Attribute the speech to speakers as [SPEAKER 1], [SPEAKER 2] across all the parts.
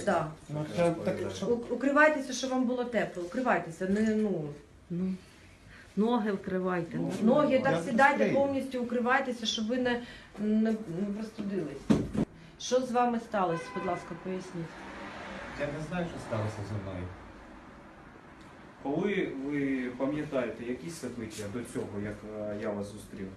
[SPEAKER 1] Да.
[SPEAKER 2] Ну, це так, що...
[SPEAKER 1] Укривайтеся, щоб вам було тепло. Укривайтеся,
[SPEAKER 3] Ноги вкривайте.
[SPEAKER 1] ноги так
[SPEAKER 2] Я
[SPEAKER 1] сідайте,
[SPEAKER 2] розумію.
[SPEAKER 1] повністю укривайтеся, щоб ви не простудились. Що з вами сталося, будь ласка, поясніть.
[SPEAKER 2] Я не знаю, що сталося зі мною.
[SPEAKER 4] Коли ви пам'ятаєте якісь события до цього, як я вас зустрів?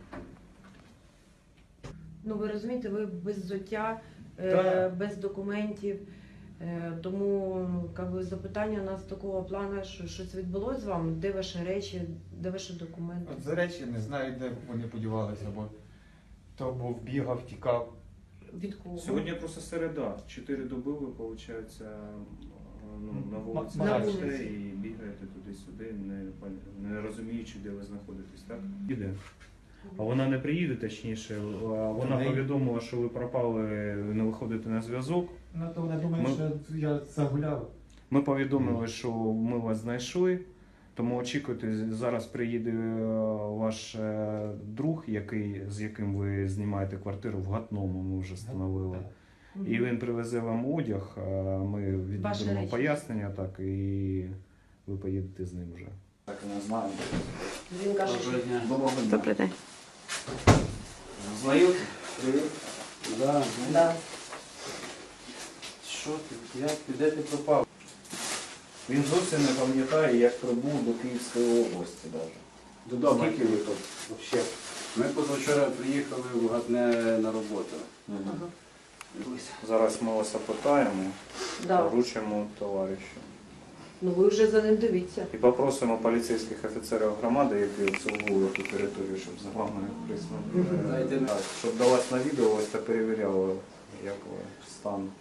[SPEAKER 1] Ну, ви розумієте, ви без взуття,
[SPEAKER 2] Так.
[SPEAKER 1] без документів. Тому запитання у нас такого плану, що щось відбулося з вами, де ваші речі, де ваші документи.
[SPEAKER 2] От за речі не знаю, де вони подівалися, бо то був бігав, тікав.
[SPEAKER 1] Від кого?
[SPEAKER 4] Сьогодні просто середа. 4 доби ви, виходить, на вулиці
[SPEAKER 2] На
[SPEAKER 4] бачите
[SPEAKER 1] вулиці.
[SPEAKER 4] і бігаєте туди-сюди, не розуміючи, де ви знаходитесь, так? Іде. А вона не приїде, точніше, вона
[SPEAKER 2] Неї-
[SPEAKER 4] повідомила, що ви пропали, не виходите на зв'язок.
[SPEAKER 2] Ну то вони думають,
[SPEAKER 4] Ми-
[SPEAKER 2] що я загуляв.
[SPEAKER 4] Ми повідомили, що ми вас знайшли, тому очікуйте, зараз приїде ваш друг, з яким ви знімаєте квартиру в Гатному, ми вже встановили. І він привезе вам одяг, ми
[SPEAKER 1] Ваші
[SPEAKER 4] віддамо
[SPEAKER 1] речі.
[SPEAKER 4] пояснення, так, і ви поїдете з ним вже. Так, не знаю.
[SPEAKER 1] Він каже, що
[SPEAKER 4] Доброго дня.
[SPEAKER 3] Добрий день.
[SPEAKER 4] Знайомі? Привіт.
[SPEAKER 5] Да.
[SPEAKER 1] да.
[SPEAKER 5] Що ти? Де ти пропав?
[SPEAKER 4] Він зовсім не пам'ятає, як прибув до Київської області навіть.
[SPEAKER 5] Додому.
[SPEAKER 4] Скільки ви тут?
[SPEAKER 5] Вообще. Ми позавчора приїхали в Гатне на роботу.
[SPEAKER 4] Зараз ми вас опитаємо,
[SPEAKER 1] Да.
[SPEAKER 4] вручимо товаришу.
[SPEAKER 1] Ну ви вже за ним дивіться.
[SPEAKER 4] І попросимо поліцейських офіцерів громади, які обслуговують ту територію, щоб за вами присмотрели.
[SPEAKER 5] Дайте
[SPEAKER 4] Так, щоб до вас навідувалось та перевіряло, як ви стан.